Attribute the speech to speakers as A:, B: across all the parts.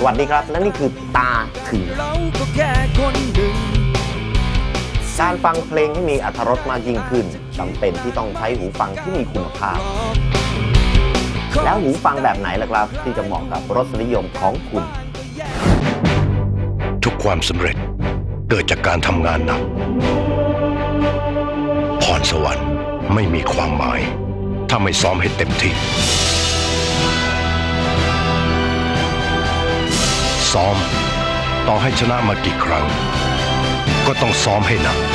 A: วัสดีครับและนี่คือตาถึงการฟังเพลงให้มีอรรถรสมากยิ่งขึ้นจำเป็นที่ต้องใช้หูฟังที่มีคุณภาพแล้วหูฟังแบบไหนล่ะครับที่จะเหมาะกับรสนิยมของคุณ
B: ทุกความสำเร็จเกิดจากการทำงานหนักพรสวรรค์ไม่มีความหมายถ้าไม่ซ้อมให้เต็มที่ซ้อมต่อให้ชนะมากี่ครั้งก็ต้องซ้อมให้หนัก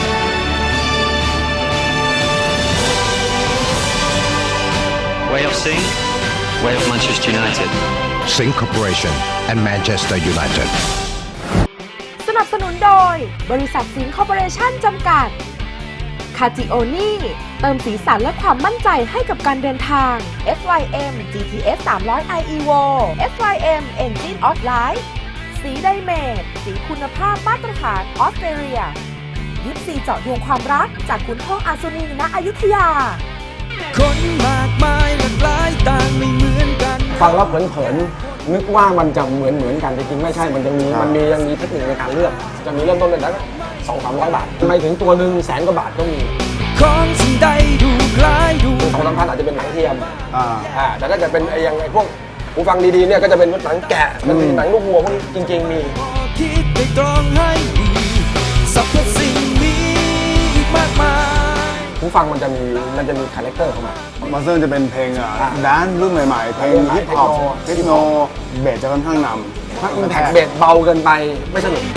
C: Way of Sing Way of Manchester United
B: Sing Corporation and Manchester United
D: สนับสนุนโดยบริษัทสิงห์คอร์ปอเรชั่นจำกัดคาจิโอนี่เติมสีสันและความมั่นใจให้กับการเดินทาง SYM GTS 300 i Evo SYM Engine of Life สีไดเมทสีคุณภาพมาตรฐานออสเตรเลียยิปซีเจาะดวงความรักจากขุนทองอัศนีณอยุธยา
E: คนมากมายหลากหลายต่างไม่เหมือนกัน
F: ฟังแล้วเผินๆนึกว่ามันจะเหมือนกันจริงๆไม่ใช่มันยังมีเทคนิคในการเลือกจะมีเริ่มต้นเลยแล้ว200-300 บาททำไมถึงตัวหนึ่ง100,000 กว่าบาทก็มี
E: ของสิ่งใดดูคล้ายดู
F: 2-3 พันอาจจะเป็นหนังเทียมแต่ถ้าเกิดเป็นอย่างไอ้พวกหูฟังดีๆเนี่ยก็จะเป็นหนังแกะมันเป็นหนังลูกวัวพวกนี้จริงๆมี
E: คิดไปตรองให้ดีสรรพสิ่งมีอีกมากมาย
F: หูฟังมันจะมีคาแรคเตอร์เข้ามา
G: มาสเตอร์จะเป็นเพลงแดนซ์รุ่นใหม่ๆเพลงฮิปฮอปเทคโนเบสจะค่อนข้างนำ
F: ถ้าอิมแพคเบสเบาเกินไปไม่สนุก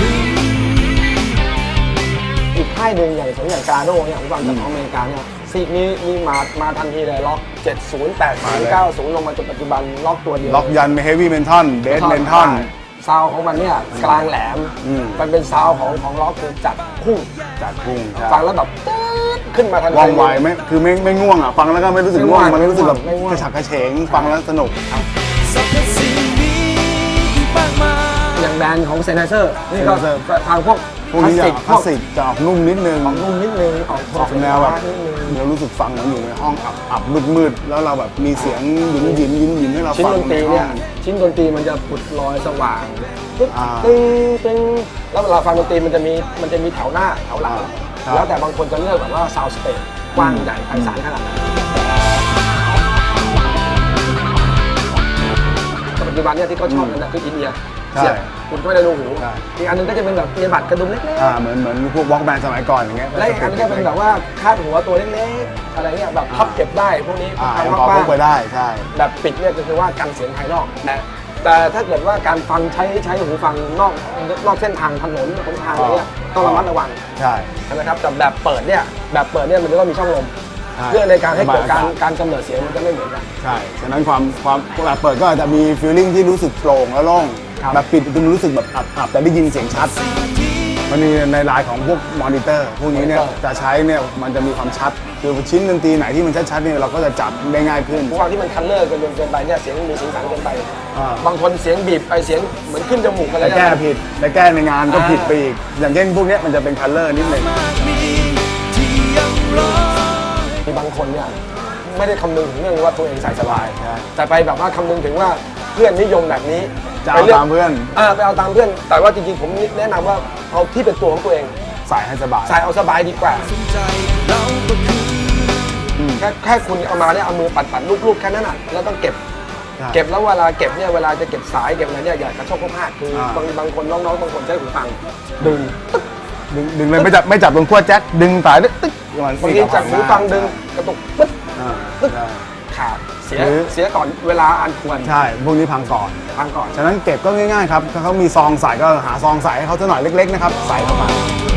F: อีกค่ายหนึ่งอย่างกาโน่เนี่ยผมฟังจากอเมริกาเนี่ยซีกนี้มาทันทีเลยล็อก70 80 90ลงมาจนปัจจุบันล็อกตัวเดียว
G: ล็อกยันเฮฟวี่เมนทัลเบสเมนทัล
F: ซาวของมันเนี่ยกลางแหลมมันเป็นซาวของล็อกคือจัดพุ่งฟังแล้วแบบขึ้นมาทันที
G: ว่องไวไหมคือไม่ง่วงอ่ะฟังแล้วก็ไม่รู้สึกง่วงมันรู้สึกแบบกระฉับกระเฉงฟังแล้วสนุก
F: อย่างแบรนด์ของเซนเซอร์นี่ก็ทางพวก
G: นี้จะคลาสสิกจะออกนุ่มนิดนึง
F: ออก
G: แนวแบบเรารู้สึกฟังเหมือนอยู่ในห้องอับมืดแล้วเราแบบมีเสียงหยินให้เราฟัง
F: ชิ้นดนตรีเนี่ยชิ้นดนตรีมันจะปุดลอยสว่างตึ้งแล้วเวลาฟังดนตรีมันจะมีแถวหน้าแถวหลังแล้วแต่บางคนจะเลือกแบบว่าซาวด์สเปซกว้างใหญ่ไพศาลขนาดนั้นปัจจุบันเนี่ยที่เขาชอบกันคืออินเดียเสียบคุณก็ไม่ได้รูหูอีกอันนึงก็จะเป็นแบบเอียบัดกระดุมเล็ก
G: ๆเหมือนพวกวอล์กแมนสมัยก่อนอย่างเงี้ย
F: และอีกอันนึงก็เป็นแบบว่าคาดหัวตัวเล็กๆอะไรเงี้ยแบบพับเก็บได้พวกนี้
G: พอพกไปได้ใช่
F: แบบปิดเนี่ยก็คือว่ากันเสียงภายนอกแต่ถ้าเกิดว่าการฟังใช้หูฟังนอกเส้นทางถนนบนทางอะไรเงี้ยต้องระมัดระวังใช่ไหมครับแต่แบบเปิดเนี่ยมันจะต้องมีช่องลมเพื่อในการให้เกิดการกำเนิดเสียงมันจะไม่เหมือนกัน
G: ใช่ฉะนั้นความแบบเปิดก็อาจจะมีฟีลลิ่งที่รู้สึกโปร่งและโล่งแบบปิดมันรู้สึกแบบอับแต่ได้ยินเสียงชัดมันมีในลายของพวกมอนิเตอร์พวกนี้เนี่ยจะใช้เนี่ยมันจะมีความชัดคือชิ้นดนตรีไหนที่มันชัดๆเนี่ยเราก็จะจับได้ง่ายขึ้น
F: หูฟังที่มันคัลเลอร์เกินไปเนี่ยเสียงมีเสียงสันเกินไปบางคนเสียงบีบไปเสียงเหมือนขึ้นจมูกอะไร
G: แก้ผิดและแก้ในงานก็ผิดไปอีกอย่างเช่นพวกนี้มันจะเป็นคัลเลอร์นิดนึง
F: มีบางคนเนี่ยไม่ได้คำนึงถึงเรื่องว่าตัวเองใส่สบายแต่ไปแบบว่าคำนึงถึงว่าเพื่อนนิยมแบบนี้
G: จะเอาตามเพื่อน
F: ไปเอาตามเพื่อนแต่ว่าจริงๆผมแนะนำว่าเอาที่เป็นตัวของตัวเอง
G: ใส่ให้สบาย
F: ใส่เอาสบายดีกว่าแค่คุณเอามาเนี่ยเอามือปัดลูกๆแค่นั้นน่ะแล้วต้องเก็บแล้วเวลาเก็บเนี่ยเวลาจะเก็บสายเก็บอะไรเนี่ยอย่ากระโชกกระพากคือบางคนน้องๆบางคนใช้หูฟังดึง
G: เลยไม่จับตรงขั้วแจ็คดึงสายตึ๊ก
F: บางทีจับหูฟังดึงกระตุกปึ๊ดขาดเสียก่อนเวลาอันควร
G: ใช่พวกนี้พังก่อนฉะนั้นเก็บก็ง่ายๆครับถ้าเขามีซองใส่ก็หาซองใส่ให้เขาสักหน่อยเล็กๆนะครับใส่เข้ามา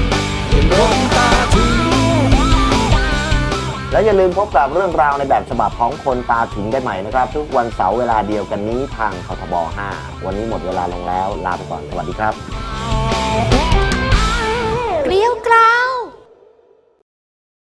A: และอย่าลืมพบกับเรื่องราวในแบบฉบับของคนตาถึงได้ใหม่นะครับทุกวันเสาร์เวลาเดียวกันนี้ทางคทบ 5วันนี้หมดเวลาลงแล้วลาไปก่อนสวัสดีครับ
D: เกลียวกราว